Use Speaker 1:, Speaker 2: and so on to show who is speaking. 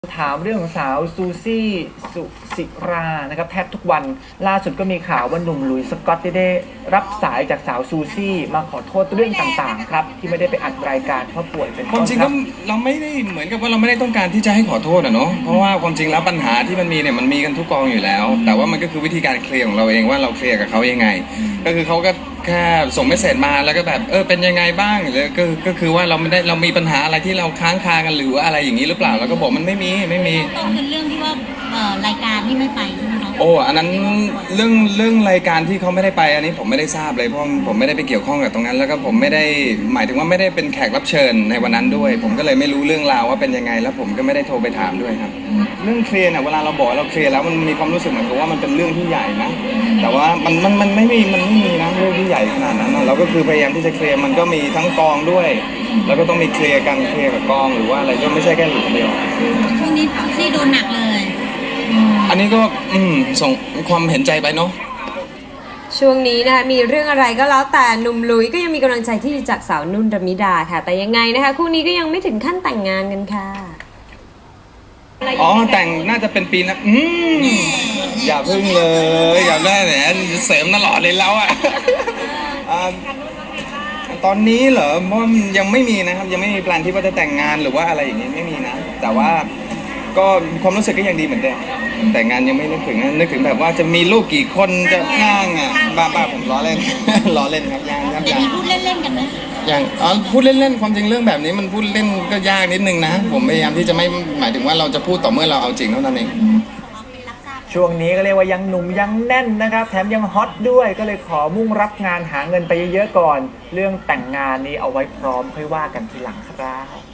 Speaker 1: ถามเรื่องของสาวซูซี่สุศิรานะครับแทบทุกวันล่าสุดก็มีข่าวว่าหนุ่มหลุยส์สกอตได้รับสายจากสาวซูซี่มาขอโทษเรื่องต่างๆครับที่ไม่ได้ไปอัดรายการเพราะป่วยเป็น
Speaker 2: ความจริง
Speaker 1: ค
Speaker 2: ก็
Speaker 1: รับ
Speaker 2: เราไม่ได้เหมือนกับว่าเราไม่ได้ต้องการที่จะให้ขอโทษอะเนาะเพราะว่าความจริงแล้วปัญหาที่มันมีเนี่ยมันมีกันทุกกองอยู่แล้ว แต่ว่ามันก็คือวิธีการเคลียร์ของเราเองว่าเราเคลียร์กับเขายังไง ก็คือเขาก็แค่ส่งเมสเสจมาแล้วก็แบบเป็นยังไงบ้างหรือก็คือว่าเรามีปัญหาอะไรที่เราค้างคากันหรือว่าอะไรอย่างนี้หรือเปล่าแล้วก็บอกมันไม่มี
Speaker 3: ต้นเป็นเรื่องที่ว่ารายการที่ไม่ไปใช่ไหมคะ
Speaker 2: โอ้อันนั้นเรื่องรายการที่เขาไม่ได้ไปอันนี้ผมไม่ได้ทราบเลยเพราะผมไม่ได้ไปเกี่ยวข้องกับตรงนั้นแล้วก็ผมไม่ได้หมายถึงว่าไม่ได้เป็นแขกรับเชิญในวันนั้นด้วยผมก็เลยไม่รู้เรื่องราวว่าเป็นยังไงแล้วผมก็ไม่ได้โทรไปถามด้วยครับเรื่องเคลียร์เนี่ยเวลาเราบอกเราเคลียร์แล้วมันมีความรู้สึกเหมือนกับว่ามันเป็นเรื่องที่ใหญ่นะแต่ว่ามันไม่มีนะเรื่องที่ใหญ่ขนาดนั้นเราก็คือพยายามที่จะเคลียร์มันก็มีทั้งกองด้วยแล้วก็ต้องมีเคลียร์กันเคลียร์กับกองหรือว่าอะไรก็ไม่ใช่แค่หลุมเดียว
Speaker 3: ช่วงนี้ซี่โดนหนักเลย
Speaker 2: อันนี้ก็ส่งความเห็นใจไปเนาะ
Speaker 4: ช่วงนี้นะคะมีเรื่องอะไรก็แล้วแต่หนุ่มลุยก็ยังมีกำลังใจที่ดีจากสาวนุ่นรมิดาค่ะแต่ยังไงนะคะคู่นี้ก็ยังไม่ถึงขั้นแต่งงานกันค่ะ
Speaker 2: อ๋อแต่งน่าจะเป็นปีนะอย่าพึ่งเลยอย่าได้แหมเสริมตลอดเลยแล้วอ่ะตอนนี้เหรอว่ายังไม่มีนะครับยังไม่มีแพลนที่ว่าจะแต่งงานหรือว่าอะไรอย่างนี้ไม่มีนะแต่ว่าก็ความรู้สึกก็ยังดีเหมือนเดิมแต่งงานยังไม่นึกถึงแบบว่าจะมีลูกกี่คนจะย่างอ่ะบ้าผมล้อเล่น ล้อเล่นครับย่างครับ
Speaker 3: จะมีพูดเล่นๆกันไหม
Speaker 2: อย่างพูดเล่นๆความจริงเรื่องแบบนี้มันพูดเล่นก็ยากนิดนึงนะผมพยายามที่จะไม่หมายถึงว่าเราจะพูดต่อเมื่อเราเอาจริงเท่านั้นเอง
Speaker 1: ช่วงนี้ก็เรียกว่ายังหนุ่มยังแน่นนะครับแถมยังฮอตด้วยก็เลยขอมุ่งรับงานหาเงินไปเยอะๆก่อนเรื่องแต่งงานนี้เอาไว้พร้อมค่อยว่ากันทีหลังครับ